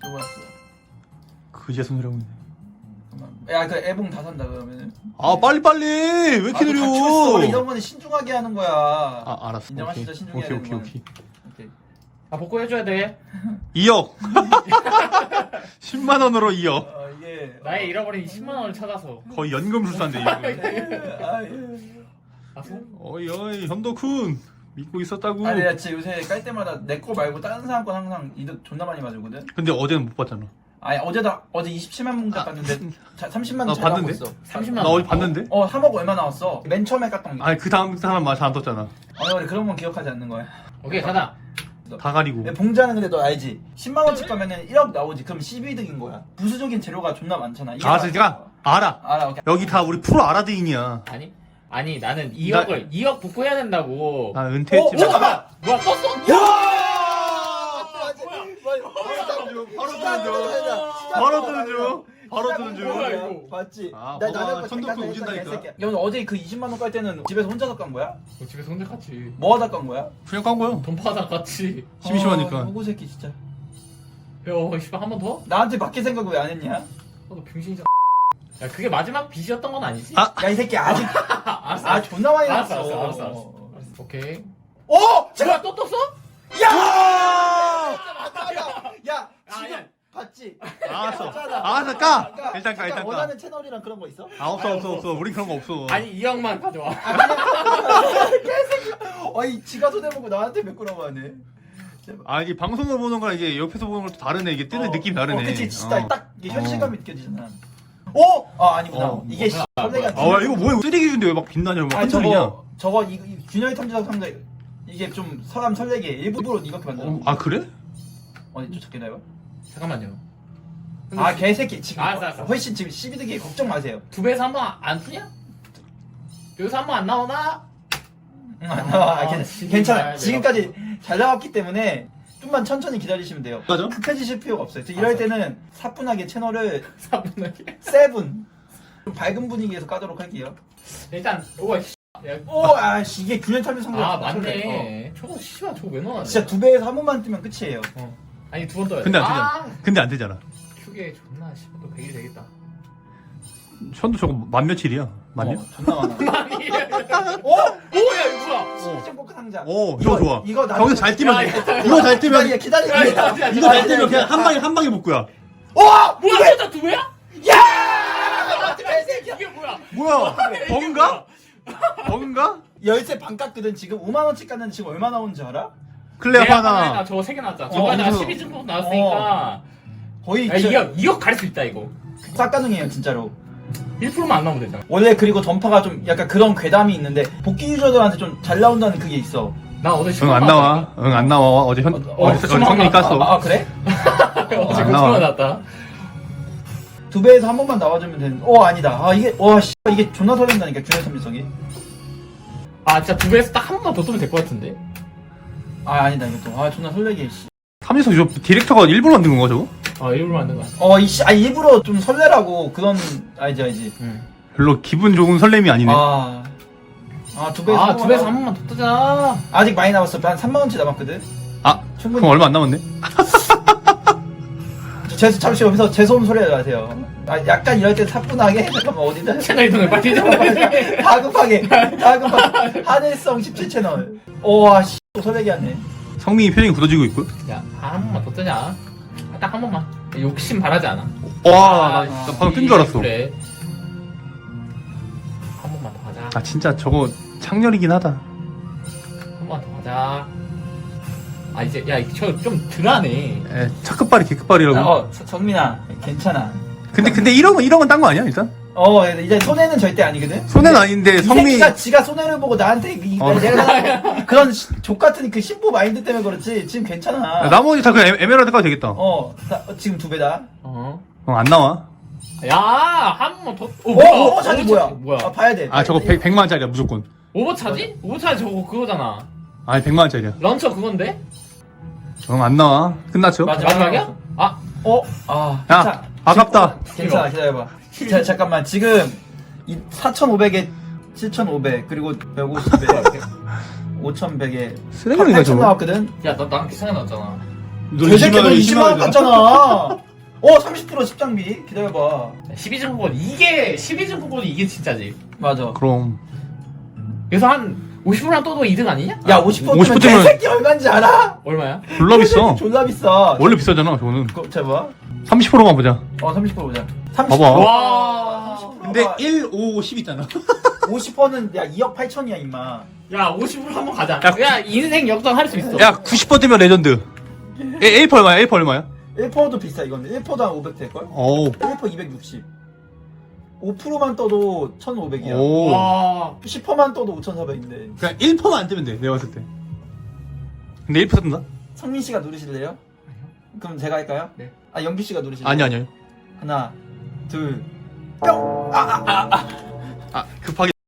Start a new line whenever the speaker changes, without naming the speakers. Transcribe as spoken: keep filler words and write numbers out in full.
누구였어?
그제 손이라고 있네.
야, 그 애봉 다 산다 그러면은.
아 빨리 빨리 왜 이렇게 느려?
원래 이런 거는 신중하게 하는 거야.
아 알았어.
인정하시죠? 신중해야
오케이
되는
오케이
건.
오케이.
오케이.
아 복구 해줘야 돼.
이억. 십만 원으로 이억.
어, 이게
나의 잃어버린 십만 원을 찾아서.
거의 연금술사인데 이거.
아, 예.
아 손?
어이 어이 현도쿤 믿고 있었다고.
아니, 나 진짜 요새 깔 때마다 내 거 말고 다른 사람 건 항상 이득 존나 많이 맞으거든.
근데 어제는 못 봤잖아.
아니, 어제도 어제 이십칠만 문자 봤는데 자, 삼십만
나
원 잘 나오고
봤는데?
있어.
삼십만
나
원.
어제 봤는데?
어, 삼억 얼마 나왔어? 맨 처음에 깠던 게.
아니 그 다음 사람 맛 안 떴잖아.
아니, 원래 그런 건 기억하지 않는 거야.
오케이 가자.
다 가리고.
내 봉자는 근데 너 알지? 십만 원씩 가면은 일억 나오지. 그럼 십이 득인 거야. 부수적인 재료가 존나 많잖아. 이게
아
다-
제가 알아.
알아. 오케이.
여기 다 우리 프로 아라드인이야.
아니 아니 나는 이억을 이억 복구해야 된다고.
나
어,
은퇴했지만.
잠깐만.
뭐야 떴어?
바로 뜨는 중. 바로 뜨는 중. 바로 뜨는 중.
뭐야, 이거?
봤지?
아,
나
봐봐.
나는
천둥
잠깐
오진다니까.
했잖아, 개새끼야. 야, 오늘 어제 그 이십만 원 깔 때는 집에서 혼자서 깐 거야?
너 집에서 혼자 갔지.
뭐 하다 깐 거야?
그냥 깐 거야.
돈 파다 갔지.
심심하니까.
아, 호구 새끼 진짜.
야 씨발 한 번 더?
나한테 맡길 생각 왜 안 했냐?
어, 너 병신이잖아. 야 그게 마지막 빚이었던 건 아니지?
아.
야, 이 새끼 아직
알았어.
아 존나 많이
알았어
났어.
알았어 알았어 알았어. 알았어. 오케이.
오! 제가
뭐야 또 떴어?
야! 야,
아,
지금
야.
봤지?
알았어.
맞잖아.
알았어 까.
까.
일단 까
잠깐,
일단 까.
원하는 채널이랑 그런 거 있어?
아 없어 없어 없어. 우린 그런 거 없어.
아니 이억만 가져와.
아니, 지가 손해보고 나한테 메꾸라고 하네.
아 이게 방송을 보는 거랑 이게 옆에서 보는 것도 다르네. 이게 뜨는
어,
느낌이 다르네.
어, 그치, 진짜
어.
딱 이게
어.
현실감이 느껴지잖아. 오! 아, 아니구나.
어,
이게 씨, 설레가.
아 이거 뭐야? 쓰레기 준데 왜 막 빛나냐? 뭐
아니,
한소리냐?
저거, 저거, 이, 이 균형의 탐지작 상자, 이게 좀 사람 설레게 일부러 이렇게 만들어.
어, 아 그래?
어디 좀 찾게 나요?
잠깐만요.
아, 개새끼. 지금
알았어, 알았어.
훨씬 지금 십이 득이 걱정 마세요.
두 배에서 한 번 안 푸냐? 여기서 한 번 안 나오나?
응, 안 나와.
아,
괜-
지금
괜찮아.
봐야 돼요.
지금까지 잘 나왔기 때문에 좀만 천천히 기다리시면 돼요.
맞아?
급해지실 필요가 없어요. 그래서 이럴
알았어.
때는 사뿐하게 채널을
사분하게.
세븐 좀 밝은 분위기에서 까도록 할게요.
일단 우와 씨. 야,
오, 아씨 이게 균형 탐지 상자.
아 맞네. 저거 씨발 저거 왜 넣어놨냐?
진짜 두 배에서 한 번만 뜨면 끝이에요.
어. 아니 두 번 떠야 돼.
근데 안 되잖아.
아,
근데 안 되잖아.
휴게 존나 씨발 또 백 일 되겠다.
현도 저거 만 며칠이야? 만년?
어, 존나 많아.
아니.
오!
오야 이거 뭐야?
시즌 포크 상자.
오 이거 좋아.
이거 나
거기서 잘 뛰면
야,
돼.
야,
이거 잘 뛰면
기다려 기다려.
야, 야, 야,
이거 잘 뛰면 그냥 한 방에 한 방에 복구야.
오!
뭐야 진짜 두 배야?
야! 개새끼야.
이게 뭐야?
뭐야? 버그인가? 버그인가?
열쇠 반 깎거든 지금 오만 원씩 깎는데 지금 얼마 나오는지 알아?
클레어
내가
하나.
나 저거 세 개 나왔잖아.
어,
저거 내가
그래서-
십이 증폭 나왔으니까.
거의
야, 이억 이억 갈 수 있다 이거.
싹 가능해요 진짜로.
일 퍼센트만 안 나오면 되잖아.
원래 그리고 전파가 좀 약간 그런 괴담이 있는데 복귀 유저들한테 좀 잘 나온다는 그게 있어.
나 어제
응
십만
안 나와. 응 안 나와. 어제 현
어,
어제
어,
어제
십만
성민이
원
깠어.
아, 아 그래?
어제
안
그
나와.
천만 났다.
두 배에서 한 번만 나와주면 되는. 어 아니다. 아 이게 와 씨, 이게 존나 설렌다니까 균형 탐지성이.
아 진짜 두 배에서 딱 한 번만 더 뜨면 될 것 같은데.
아 아니다 이것도. 아 존나 설레게. 씨.
삼진석 저 디렉터가 일부러 만든 건가 저거?
아 일부러 만든 거야.
어 이씨 아 일부러 좀 설레라고 그런 알지 알지.
응.
별로 기분 좋은 설렘이 아니네.
아. 아두 배에서
아두 배에서 한 번만 더 뜨자.
아직 많이 남았어. 한 삼만 원치 남았거든.
아
충분히.
그럼 얼마 안 남았네.
제 잠시 여기서 죄송한 소리 하지 마세요. 아 약간 이럴 때 사뿐하게 잠깐만 어디다.
채널 이동을 빨리 좀.
다급하게 다급하게 하늘성 십칠 채널. 오와 씨. 또 설레게 하네.
성민이 표정이 굳어지고 있고.
야, 한 번만 더 뜨자. 아, 딱 한 번만. 욕심 바라지 않아.
와, 나, 나 방금 뜬 줄 알았어.
그래. 한 번만 더 하자.
아 진짜 저거 창렬이긴 하다.
한 번만 더 하자. 아 이제 야 저 좀 덜하네.
에, 차끝발이 개끝발이라고.
어 서- 성민아 괜찮아.
근데 근데 이런 건 이런 건 딴 거 아니야 일단?
어 이제 손해는 절대 아니거든.
손해는 아닌데
이
성민.
새끼가 지가 손해를 보고 나한테 이,
어.
내가 그런 족 같은 그 신부 마인드 때문에 그렇지 지금 괜찮아.
야, 나머지 다 그냥 에- 에메랄드가 되겠다.
어 나, 어, 지금 두 배다.
어.
어, 안 나와.
야, 한 번만 더. 어,
어,
뭐야?
어, 어 자기 뭐야?
뭐야?
아 봐야 돼.
아 저거 백, 백만 원짜리야 무조건.
오버차지? 오버차지 저거 그거잖아.
아니 백만 원짜리야.
런처 그건데?
응 안 나와. 끝났죠?
맞아.
마지막이야? 아,
어? 아
야,
괜찮아.
아깝다.
괜찮아 기다려봐. 자 잠깐만 지금 이 사천오백에 칠천오백 그리고 백오십에 오천백에
쓰레기인가
팔천
저거?
나왔거든.
야, 너 나랑 비슷하게 나왔잖아.
개새끼 너 이십만 원 깠잖아. 어 삼십 퍼센트 십장비 기다려봐.
십이 증권권 이게 십이 증권권이 이게 진짜지.
맞아.
그럼
그래서 한 오십 퍼센트만 떠도 이 등 아니냐?
야 오십 퍼센트면
오십 퍼센트면
개새끼 얼마인지 알아?
얼마야?
졸라 비싸.
졸라 비싸.
원래 비싸잖아 저거는.
그거 제봐.
삼십 퍼센트만 보자.
어 삼십 퍼센트 보자. 삼십
봐봐.
와.
근데 일, 오, 십 있잖아.
오십 퍼센트는 야 이억 팔천이야 임마.
야 오십 퍼센트 한번 가자.
야,
야 인생 역전 할 수 있어.
야 구십 퍼센트면 레전드. 일 퍼센트 얼마야? 일 퍼센트 얼마야?
일 퍼센트도 비싸 이건. 일 퍼센트 한 오백 될걸?
오.
일 퍼센트 이백육십. 오 퍼센트만 떠도 천오백이야.
오.
와.
십 퍼센트만 떠도 오천사백인데.
그냥 일 퍼센트만 안 뜨면 돼, 내가 봤을 때.
근데 일 퍼센트인가?
성민 씨가 누르실래요? 그럼 제가 할까요?
네.
아 영규 씨가 누르실래요?
아니 아니요.
하나, 둘,
아 급하게.